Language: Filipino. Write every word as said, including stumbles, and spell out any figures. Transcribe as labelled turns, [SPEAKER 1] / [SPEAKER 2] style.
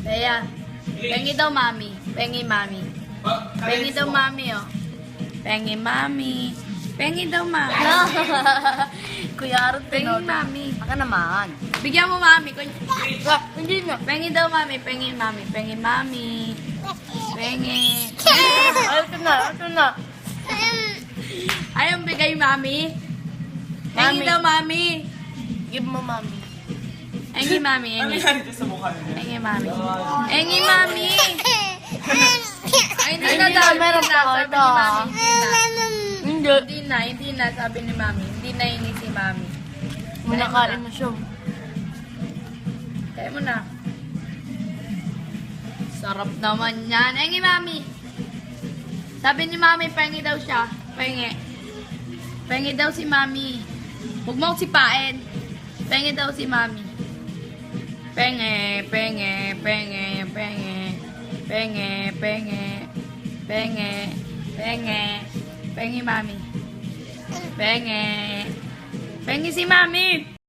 [SPEAKER 1] Kaya, pengi daw mami. Pengi mami. Pengi daw mami, oh. Pengi mami. Pengi daw mami.
[SPEAKER 2] Kuya Aaron,
[SPEAKER 1] Pengi mami.
[SPEAKER 2] Baka naman.
[SPEAKER 1] Bigyan mo mami. Kunya.
[SPEAKER 2] Ah, hindi na.
[SPEAKER 1] Pengi daw mami. Pengi mami. Pengi mami. Pengi.
[SPEAKER 2] Ay, ito na, ito na.
[SPEAKER 1] Ayaw bigay mami. Pengi
[SPEAKER 2] Mami.
[SPEAKER 1] daw mami.
[SPEAKER 2] Give mo, mami.
[SPEAKER 1] Engi mami.
[SPEAKER 3] Ano
[SPEAKER 1] Engi.
[SPEAKER 3] yan dito sa mukha niya?
[SPEAKER 1] Engi mami. Engi mami. Ay, hindi
[SPEAKER 2] Ay,
[SPEAKER 1] na
[SPEAKER 2] hindi
[SPEAKER 1] daw.
[SPEAKER 2] na, meron
[SPEAKER 1] Hindi
[SPEAKER 2] pa
[SPEAKER 1] na.
[SPEAKER 2] ako
[SPEAKER 1] Sabi
[SPEAKER 2] ito,
[SPEAKER 1] ni
[SPEAKER 2] ah.
[SPEAKER 1] mami. Hindi na.
[SPEAKER 2] Hindi.
[SPEAKER 1] Hindi na. Hindi na. Sabi ni mami. Hindi na ini si mami.
[SPEAKER 2] Muna kain mo siya.
[SPEAKER 1] Kaya mo na. Sarap naman yan. Engi mami. Sabi ni mami, pengi daw siya. Pengi. Pengi daw si mami. Huwag mo sipain. Pengi daw si mami. Penge, penge, penge, penge. Penge, penge. Penge, penge. Pengi mami. Penge. Pengi si mami.